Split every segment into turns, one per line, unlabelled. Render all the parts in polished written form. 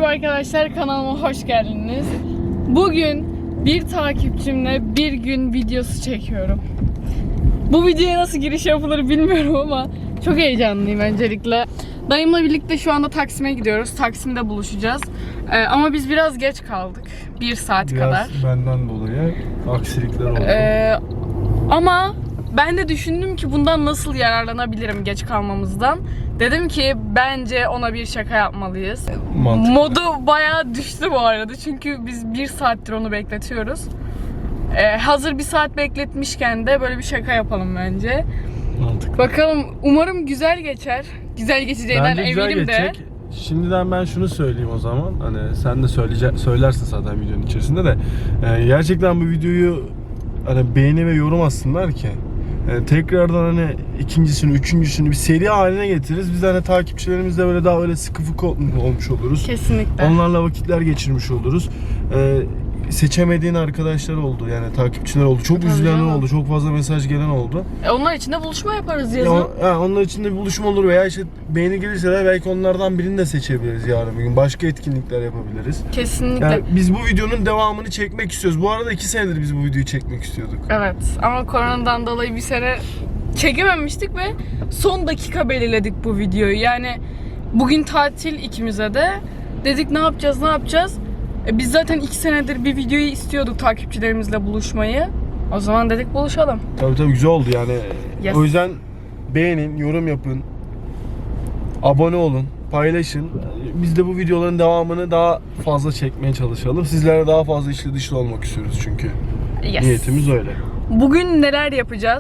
Merhaba arkadaşlar, kanalıma hoş geldiniz. Bugün bir takipçimle bir gün videosu çekiyorum. Bu videoya nasıl giriş yapılır bilmiyorum ama çok heyecanlıyım öncelikle. Dayımla birlikte şu anda Taksim'e gidiyoruz. Taksim'de buluşacağız. Ama biz biraz geç kaldık. 1 saat kadar.
Biraz benden dolayı aksilikler oldu.
Ama ben de düşündüm ki bundan nasıl yararlanabilirim geç kalmamızdan. Dedim ki bence ona bir şaka yapmalıyız.
Mantıklı.
Modu bayağı düştü bu arada çünkü biz 1 saattir onu bekletiyoruz. Hazır 1 saat bekletmişken de böyle bir şaka yapalım bence.
Mantıklı.
Bakalım, umarım güzel geçer. Güzel geçeceğinden
Bence güzel
eminim de.
geçecek. Şimdiden ben şunu söyleyeyim o zaman. Hani sen de söylersin zaten videonun içerisinde de. Gerçekten bu videoyu hani beğeni ve yorum atsınlar ki. Tekrardan hani ikincisini, üçüncüsünü bir seri haline getiririz. Biz hani takipçilerimizle böyle daha öyle sıkı fıkı olmuş oluruz.
Kesinlikle.
Onlarla vakitler geçirmiş oluruz. Seçemediğin arkadaşlar oldu, yani takipçiler oldu. Çok
Tabii
üzülen
canım.
oldu, çok fazla mesaj gelen oldu.
Onlar için de buluşma yaparız yazın.
Onlar için de bir buluşma olur veya işte beğeni gelirse de belki onlardan birini de seçebiliriz yarın bir gün. Başka etkinlikler yapabiliriz.
Kesinlikle.
Yani biz bu videonun devamını çekmek istiyoruz. Bu arada 2 senedir biz bu videoyu çekmek istiyorduk.
Evet ama koronadan dolayı bir sene çekememiştik ve son dakika belirledik bu videoyu. Yani bugün tatil ikimize de. Dedik ne yapacağız? Biz zaten 2 senedir bir videoyu istiyorduk takipçilerimizle buluşmayı. O zaman dedik buluşalım.
Tabii güzel oldu yani.
Yes.
O yüzden beğenin, yorum yapın. Abone olun, paylaşın. Biz de bu videoların devamını daha fazla çekmeye çalışalım. Sizlere daha fazla içli dışlı olmak istiyoruz çünkü.
Yes.
Niyetimiz öyle.
Bugün neler yapacağız?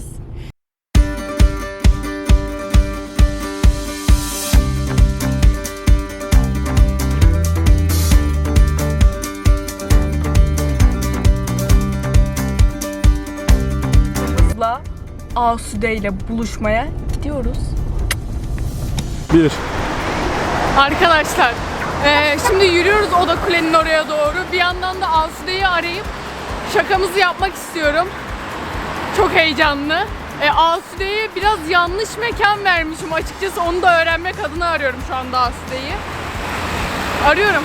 Asude ile buluşmaya gidiyoruz.
1.
Arkadaşlar, şimdi yürüyoruz Oda Kule'nin oraya doğru. Bir yandan da Asude'yi arayıp şakamızı yapmak istiyorum. Çok heyecanlı. Asude'ye biraz yanlış mekan vermişim açıkçası. Onu da öğrenmek adına arıyorum şu anda Asude'yi. Arıyorum.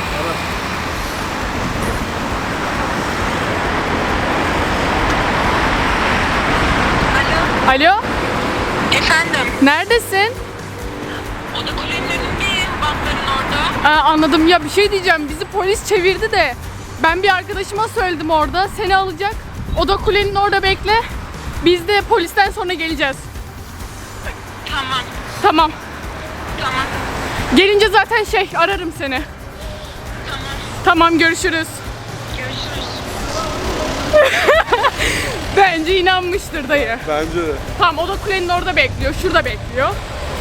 Alo?
Efendim,
Neredesin?
Oda Kule'nin önündeyim, bankların orada.
Anladım. Ya bir şey diyeceğim. Bizi polis çevirdi de ben bir arkadaşıma söyledim orada. Seni alacak. Oda Kule'nin orada bekle. Biz de polisten sonra geleceğiz.
Tamam,
Tamam.
tamam,
Gelince zaten ararım seni.
tamam.
Tamam, görüşürüz.
Görüşürüz.
Bence inanmıştır dayı.
Bence de.
Tamam, Oda Kule'nin orada bekliyor. Şurada bekliyor.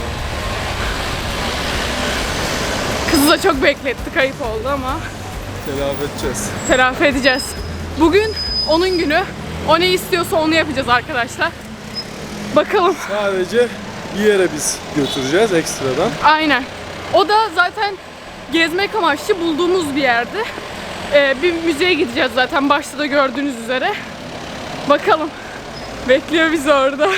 Kızı da çok beklettik. Ayıp oldu ama
Telafi edeceğiz.
telafi edeceğiz. Bugün onun günü. O ne istiyorsa onu yapacağız arkadaşlar. Bakalım.
Sadece bir yere biz götüreceğiz ekstradan.
Aynen. O da zaten gezmek amaçlı bulduğumuz bir yerde. Bir müzeye gideceğiz zaten başta da gördüğünüz üzere. Bakalım. Bekliyor bizi orada.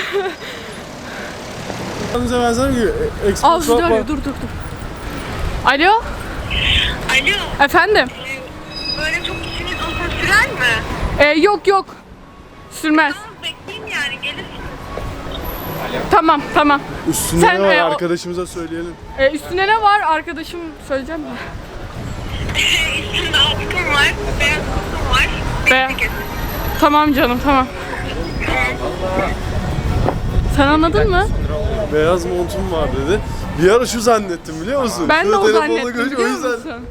Bize benzer bir
Asude arıyor. Dur. Alo?
Alo,
Efendim?
böyle çok işiniz uzun sürer mi?
Yok. Sürmez.
Tamam, bekleyeyim yani, gelirsiniz.
Tamam.
Üstünde
Sen,
ne var
o-
arkadaşımıza söyleyelim.
Üstüne ne var? Arkadaşım söyleyeceğim mi?
Üstümde atkım var, beyaz kutum var.
Beyaz.
Bekle.
Tamam canım, tamam. Sen anladın mı?
Beyaz montum var dedi. Bir ara şu zannettim biliyor musun?
Ben de
Şurada
o
telefonla
zannettim,
görünce
biliyor musun?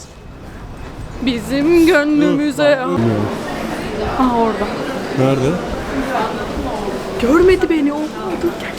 Bizim gönlümüze... Aha, orada.
Nerede?
Görmedi beni o. Dur gel.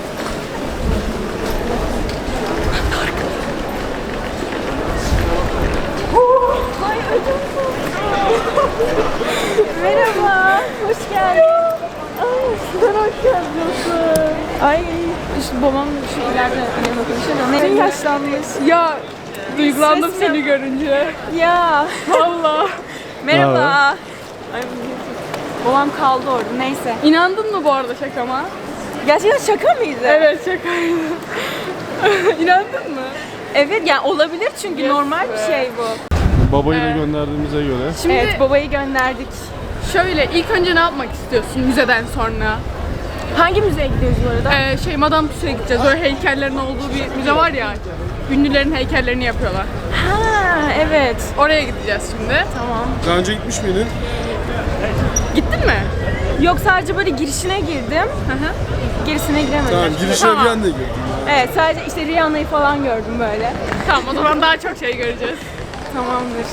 Merhaba, hoş geldin. Sen hoş geldin. Ay,
İşte babam şu ileride yanına konuşuyor.
ne yaşlanmış.
Ya duygulandım
Ses
seni görünce.
Ya,
Vallahi.
merhaba. Ay, babam kaldı orada, neyse.
İnandın mı bu arada şakama?
Gerçekten şaka mıydı?
Evet, şakaydı. İnandın mı?
Evet yani olabilir çünkü
Yes
normal
be.
bir şey bu.
Babayı da gönderdiğimize göre.
Şimdi
Evet babayı gönderdik.
şöyle ilk önce ne yapmak istiyorsun müzeden sonra?
Hangi müzeye gidiyoruz bu arada?
Madame Tussauds'a gideceğiz. Böyle heykellerin olduğu bir müze var ya. Ünlülerin heykellerini yapıyorlar.
Ha evet.
Oraya gideceğiz şimdi.
Tamam.
Daha önce gitmiş miydin?
Gittin mi?
Yok sadece böyle girişine girdim. Gerisine giremedim.
Tamam, girişine
Tamam.
bir anda girdim.
Evet sadece işte Rihanna'yı falan gördüm böyle.
Tamam o zaman daha çok şey göreceğiz.
Tamamdır.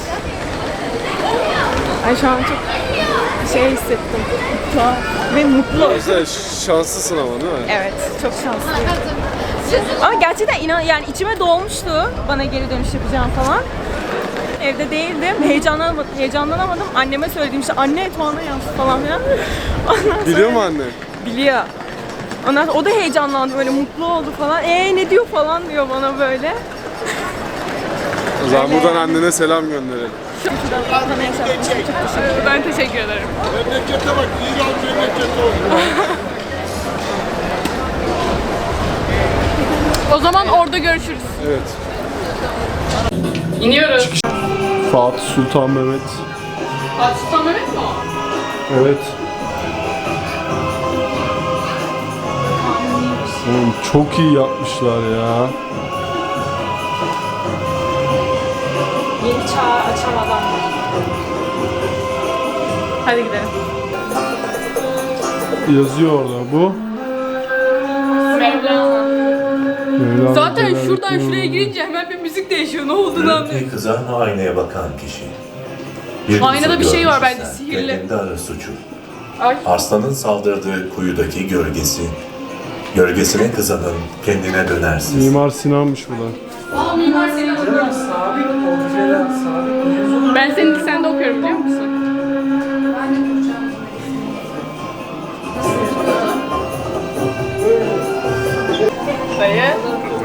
Ay şu an çok şey hissettim. Tuhaf ve mutlu.
Mesela şanslısın ama değil mi?
Evet, çok şanslıyım. Ama gerçekten yani içime dolmuştu bana geri dönüş yapacağım falan. Evde değildim, heyecanlanamadım. Anneme söyledim işte anne Tuana yazdı falan filan. Ondan sonra
Biliyor mu anne?
biliyor. Ondan sonra o da heyecanlandı böyle mutlu oldu falan. Ne diyor falan diyor bana böyle.
O zaman
Öyle
buradan
yani.
annene selam gönderelim.
Bana yaşattığın için çok teşekkür ederim.
Ben teşekkür ederim.
Memlekete bak, İran memleketi oldu.
O zaman orada görüşürüz.
Evet.
İniyoruz.
Fatih Sultan Mehmet.
Fatih Sultan Mehmet mi o?
Evet. Oğlum çok iyi yapmışlar ya.
Yeni çağ açan adamlar.
Hadi gidelim.
Yazıyor orada bu.
Mevlana.
Mevlana
Zaten
Celaleddin
şuradan şuraya
Rumi.
girince hemen bir müzik değişiyor. Ne olduğunu anlıyorum.
Bir kızan aynaya bakan kişi. Bir
Aynada
kuzu
bir şey var
görmüşse
bence, sihirli.
Kendinde arar suçu.
Ay.
Aslanın saldırdığı kuyudaki gölgesine kızanın kendine dönersiz.
Mimar Sinan'mış bu da.
Ben senin lisende okuyorum biliyor musun? Dayı.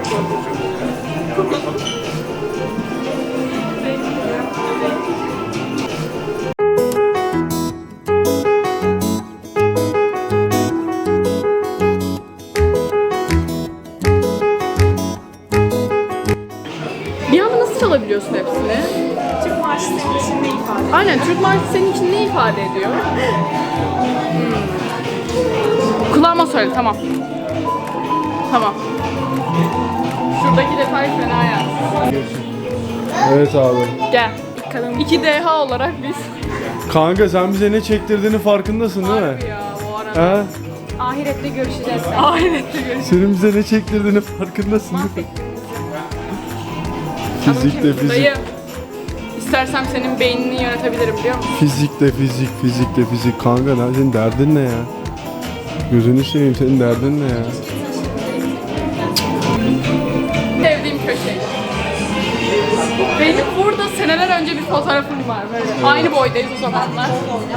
Bir anda nasıl çalabiliyorsun hepsini?
Türk marşı senin için ne ifade ediyor?
Aynen, Türk marşı senin için ne ifade ediyor? Kulağıma söyle, tamam. Tamam. Şuradaki detay fena ya.
Evet abi.
Gel. 2DH olarak biz.
Kanka sen bize ne çektirdiğini farkındasın değil mi?
Harbi ya bu arada.
Ha?
Ahirette görüşeceğiz.
Ahirette görüşürüz.
Senin bize ne çektirdiğini farkındasın değil mi? Fizikte fizik.
Dayı. İstersem senin beynini yönetebilirim biliyor musun?
Fizikte fizik. Kanka lan senin derdin ne ya? Gözünü seveyim, senin derdin ne ya?
Sevdiğim köşe. Benim burada seneler önce bir fotoğrafım var böyle. Aynı boydayız o zamanlar.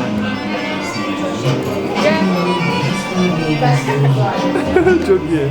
Gel.
Çok iyi.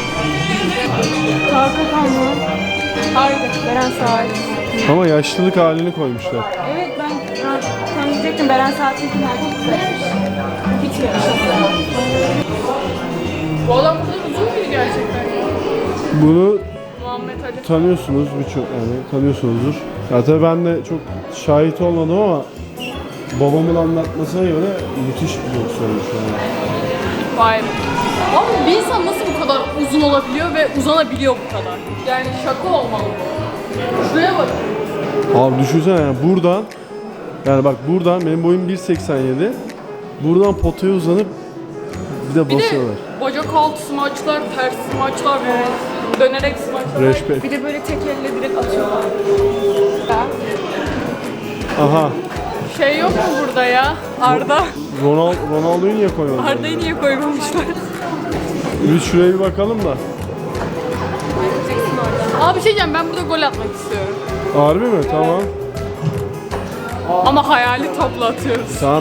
Tarkan mı? Haydi. Beren Saat.
Ama yaşlılık halini koymuşlar.
Evet ben tam diyecektim Beren Saat'in nerede güzelmiş. Hiç yakışıklı.
Bu adam burada uzun muydu gerçekten?
Bunu
Muhammed Ali.
tanıyorsunuz birçok yani tanıyorsunuzdur. Ya tabii ben de çok şahit olmadım ama babamın anlatmasına göre müthiş bir boksörmüş yani.
Vay be. Abi bir insan nasıl bu kadar uzun olabiliyor ve uzanabiliyor bu kadar? Yani şaka olmalı bu. Şuraya bak.
Abi düşünsene yani buradan yani bak buradan benim boyum 1.87. Buradan potaya uzanıp bir de
Bir de
basıyorlar.
bacak altı smaçlar, ters smaçlar falan. Dönerek smaçlar.
Respect.
Bir de böyle tek elle direkt atıyorlar.
Aha.
Şey yok mu burada ya? Arda.
Ronaldo'yu niye koymadın?
Arda'yı niye koymamışlar?
Biz şuraya bir bakalım da.
Abi bir şey diyeceğim, ben burada gol atmak istiyorum.
Harbi mi? Tamam.
Ama hayali topla atıyoruz.
Tamam,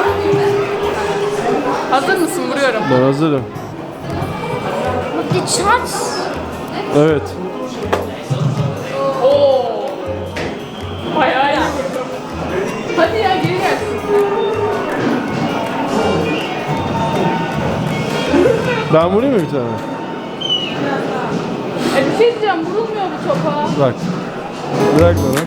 Hazır mısın? Vuruyorum.
ben hazırım. Evet.
Oo. Bayağı iyi vurdum. Hadi ya geri gelsin.
Ben vurayım mı bir tane?
Bir şey diyeceğim, vurulmuyor bu topa.
Bırak. Bırak bana.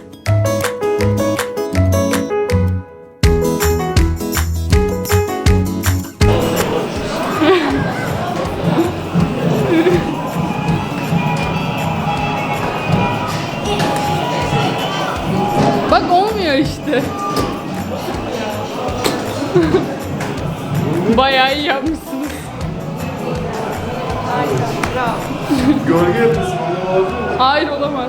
Bak olmuyor işte. Bayağı iyi yapmışsınız.
Gölge yapıyorsun.
Hayır, olamaz.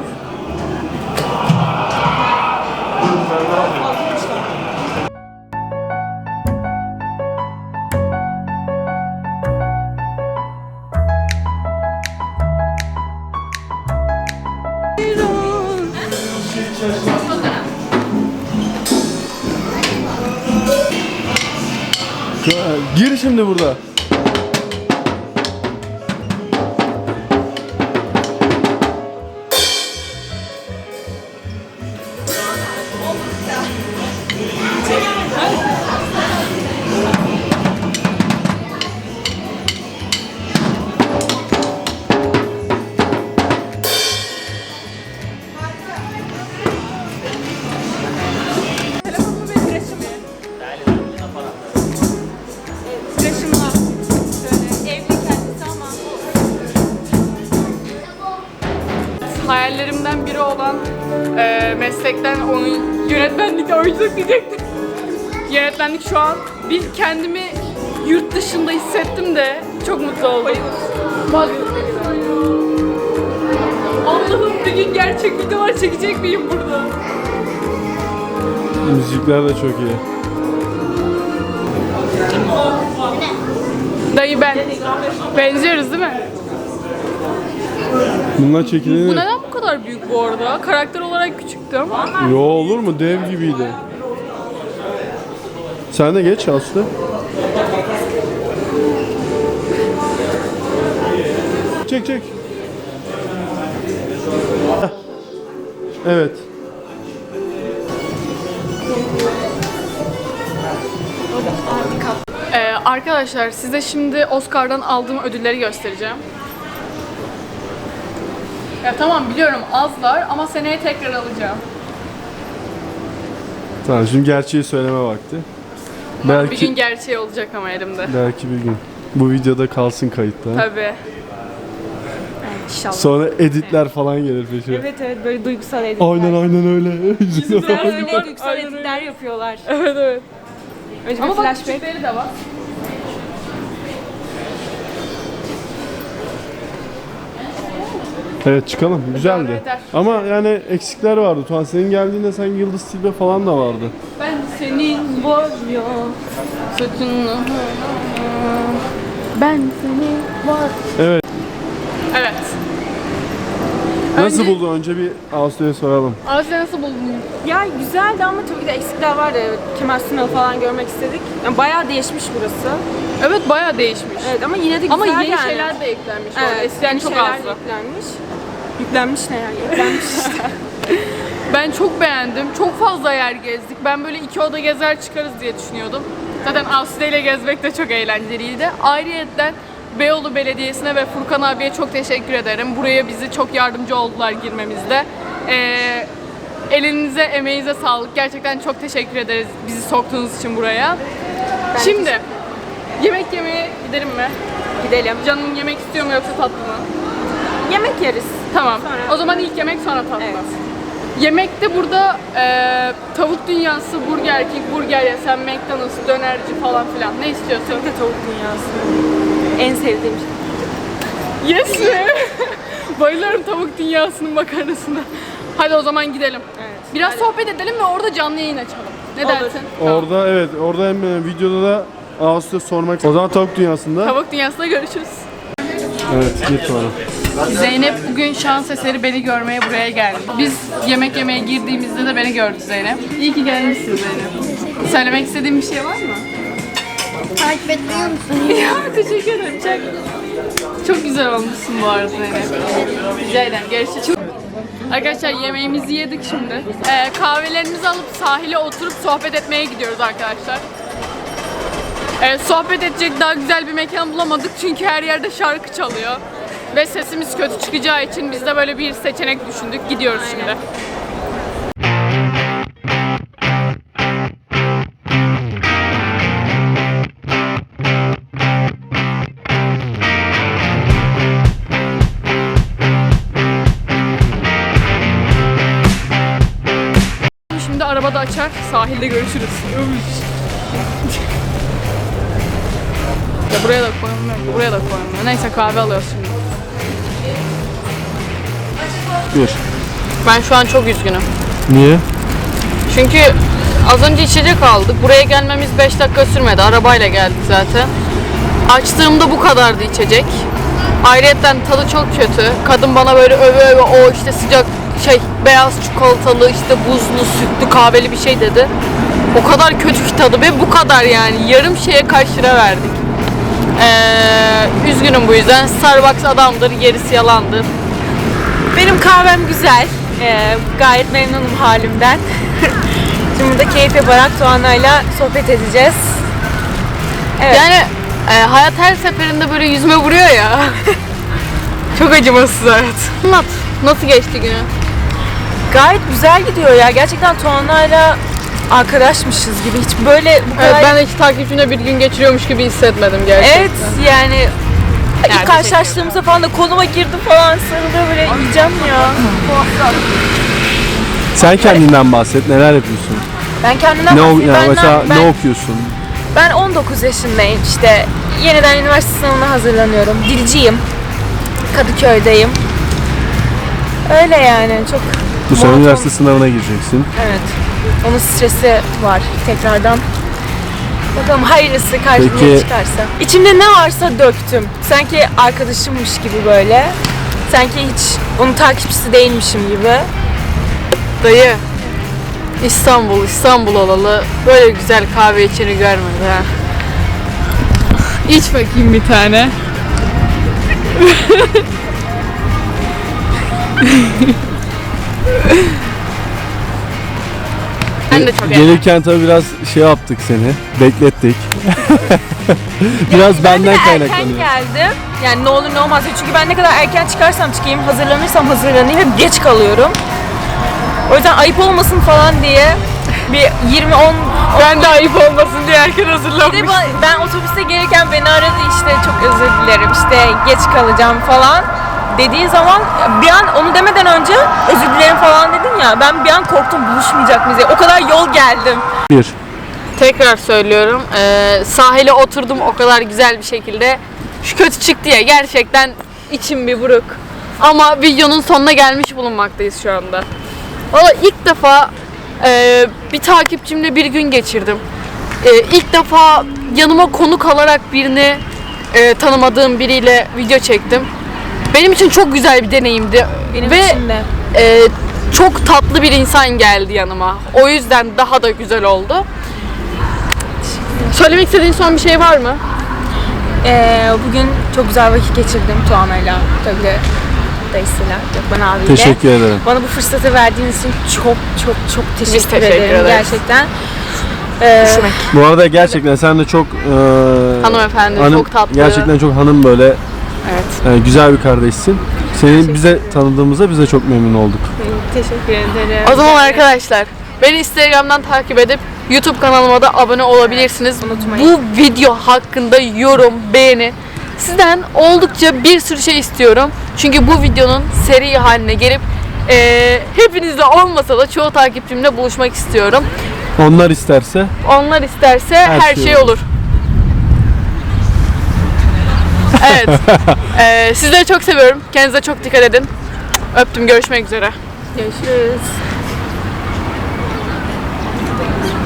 Gir şimdi burada.
Telefonumu ve tıraşımı. Tıraşımla. Şöyle evli kendisi ama.
Hayallerimden biri olan meslekten yönetmenlik, oyunculuk diyecektim. Yönetmenlik şu an bir kendimi yurt dışında hissettim de çok mutlu oldum. Bak. Allah'ım, bir gün gerçek videolar çekecek miyim burada?
Müzikler de çok iyi.
Dayı ben. Benziyoruz değil mi?
Bunlar
Bu
çekilir.
neden bu kadar büyük bu arada? Karakter olarak küçüktüm.
Yo, olur mu? Dev gibiydi. Sen de geç Aslı. Çek çek. Heh. Evet.
Arkadaşlar size şimdi Oscar'dan aldığım ödülleri göstereceğim. Ya tamam, biliyorum azlar ama seneye tekrar alacağım.
Tamam, şimdi gerçeği söyleme vakti.
Bir gün gerçeği olacak ama elimde.
Belki bir gün. Bu videoda kalsın kayıtta.
Tabii.
İnşallah.
Sonra editler falan gelir peşine.
Evet evet, böyle duygusal editler.
Aynen öyle.
Öyle duygusal
Aynen
editler yapıyorlar.
Evet evet.
Önce
Ama
bir
bak,
flashback.
küçükleri de var.
Evet, çıkalım. Güzeldi.
Eder.
Ama yani eksikler vardı. Tuğan, senin geldiğinde sen Yıldız Tilbe falan da vardı.
Ben senin boyuyor saçını. Ben seni var.
Evet.
Evet.
Nasıl buldun? Önce bir Ağustos'a soralım.
Asya nasıl buldun?
Ya güzeldi ama tabii ki de eksikler vardı. Kemal Sunal'ı falan görmek istedik. Yani bayağı değişmiş burası.
Evet, bayağı değişmiş.
Evet ama yine de güzel
Ama yeni
yani.
şeyler de eklenmiş.
Evet,
orada. Eskiden
yeni
çok
şeyler de
azdı.
Yüklenmiş. Yüklenmiş ne yani? Yüklenmiş işte.
Ben çok beğendim. Çok fazla yer gezdik. Ben böyle 2 oda gezer çıkarız diye düşünüyordum. Zaten Aslı ile gezmek de çok eğlenceliydi. Ayrıyeten Beyoğlu Belediyesi'ne ve Furkan abiye çok teşekkür ederim. Buraya bizi çok yardımcı oldular girmemizde. Elinize, emeğinize sağlık. Gerçekten çok teşekkür ederiz bizi soktuğunuz için buraya. Şimdi yemek yemeye gidelim mi?
Gidelim.
Canın yemek istiyor mu yoksa tatlı mı?
Yemek yeriz.
Tamam.
Sonra-
O zaman ilk yemek sonra tatlı.
Evet.
Yemekte burada tavuk dünyası, Burger King, burger yesen, McDonald's, dönerci falan filan. Ne istiyorsun?
Bir de tavuk dünyası. En sevdiğim şey.
Yes mi? Bayılıyorum tavuk dünyasının makarnasına. Hadi o zaman gidelim.
Evet.
Biraz sohbet edelim ve orada canlı yayın açalım. Ne
Olur.
dersin?
Orada evet, orada hem videoda da Ağustos'a sormak. O zaman Tavuk Dünyası'nda.
Tavuk dünyasında görüşürüz.
Evet, git sonra.
Zeynep bugün şans eseri beni görmeye buraya geldi. Biz yemek yemeye girdiğimizde de beni gördü Zeynep. İyi ki gelmişsin Zeynep. Söylemek istediğin bir şey var mı?
Takip etmiyor musun?
Ya teşekkür ederim. Çok güzel olmuşsun bu arada Zeynep. Rica ederim. Görüşürüz. Arkadaşlar yemeğimizi yedik şimdi. Kahvelerimizi alıp sahile oturup sohbet etmeye gidiyoruz arkadaşlar. Sohbet edecek daha güzel bir mekan bulamadık çünkü her yerde şarkı çalıyor. ve sesimiz kötü çıkacağı için biz de böyle bir seçenek düşündük. Gidiyoruz şimdi. Şimdi arabada açar, sahilde görüşürüz. Ya buraya da koyamıyorum, buraya da koyamıyorum. Neyse kahve alıyoruz şimdi.
Bir.
Ben şu an çok üzgünüm.
Niye?
Çünkü az önce içecek aldık. Buraya gelmemiz 5 dakika sürmedi. Arabayla geldik zaten. Açtığımda bu kadardı içecek. Ayrıyeten tadı çok kötü. Kadın bana böyle öve öve o işte sıcak beyaz çikolatalı işte buzlu sütlü kahveli bir şey dedi. O kadar kötü ki tadı ve bu kadar yani. Yarım şeye kaç lira verdik. Üzgünüm bu yüzden. Starbucks adamdır, gerisi yalandır.
Benim kahvem güzel. Gayet memnunum halimden. Şimdi burada keyif yaparak Tuana'yla sohbet edeceğiz. Evet.
Yani hayat her seferinde böyle yüzüme vuruyor ya. Çok acımasız hayat. Anlat. Nasıl geçti günü?
Gayet güzel gidiyor ya. Gerçekten Tuana'yla arkadaşmışız gibi. Hiç böyle bu kadar...
Evet, ben de hiç takipçimle bir gün geçiriyormuş gibi hissetmedim gerçekten.
Evet yani ilk karşılaştığımızda falan da koluma girdi falan sarılıyor böyle yiyeceğim ya.
Sen kendinden bahset. Neler yapıyorsun?
Ben kendimden
Ne
bahsedeyim.
yani mesela
ben,
ne okuyorsun?
Ben 19 yaşındayım işte. Yeniden üniversite sınavına hazırlanıyorum. Dilciyim. Kadıköy'deyim. Öyle yani çok
Bu sene
monoton.
üniversite sınavına gireceksin.
Evet. Onun stresi var tekrardan. Bakalım hayırlısı karşıma
Peki.
çıkarsa. İçimde ne varsa döktüm. Sanki arkadaşımmış gibi böyle. Sanki hiç onun takipçisi değilmişim gibi.
Dayı, İstanbul olalı böyle güzel kahve içeni görmedi ha. İç bakayım bir tane. Ben de çok
Gelirken tabii biraz şey yaptık seni. Beklettik. Biraz benden
Erken
kaynaklanıyor.
geldim. Yani ne olur ne olmaz. Çünkü ben ne kadar erken çıkarsam çıkayım, hazırlanırsam hazırlanayım hep geç kalıyorum. O yüzden ayıp olmasın falan diye bir 20-10
Ben de ayıp olmasın diye erken
Bir de
hazırlanmış.
ben otobüste gelirken beni aradı işte çok özür dilerim işte geç kalacağım falan dediği zaman bir an onu demeden önce özür dilerim falan dedin ya ben bir an korktum buluşmayacak mıyız diye. O kadar yol geldim.
Bir.
Tekrar söylüyorum. Sahile oturdum o kadar güzel bir şekilde. Şu kötü çıktı ya gerçekten içim bir buruk. Ama videonun sonuna gelmiş bulunmaktayız şu anda. Valla ilk defa bir takipçimle bir gün geçirdim. İlk defa yanıma konuk alarak birini tanımadığım biriyle video çektim. Benim için çok güzel bir deneyimdi.
Benim
Ve
için de.
çok tatlı bir insan geldi yanıma. O yüzden daha da güzel oldu. Söylemek istediğin son bir şey var mı?
Bugün çok güzel vakit geçirdim Tuana'yla tabii de dayısıyla Gökmen abiyle.
Teşekkür ederim.
Bana bu fırsatı verdiğiniz için çok teşekkür
teşekkür
ederim
ederiz.
gerçekten.
Bu arada gerçekten sen de çok
Hanımefendi, çok tatlı.
Gerçekten çok hanım böyle
Evet.
güzel bir kardeşsin. Seni bize tanıdığımızda biz de çok memnun olduk.
Teşekkür ederim.
O zaman arkadaşlar beni Instagram'dan takip edip YouTube kanalıma da abone olabilirsiniz.
Unutmayın.
Bu video hakkında yorum, beğeni sizden oldukça bir sürü şey istiyorum. Çünkü bu videonun seri haline gelip hepinizle olmasa da çoğu takipçimle buluşmak istiyorum.
Onlar isterse
Onlar isterse her
şey
şey olur. Evet. Sizleri çok seviyorum. Kendinize çok dikkat edin. Öptüm. Görüşmek üzere.
Görüşürüz.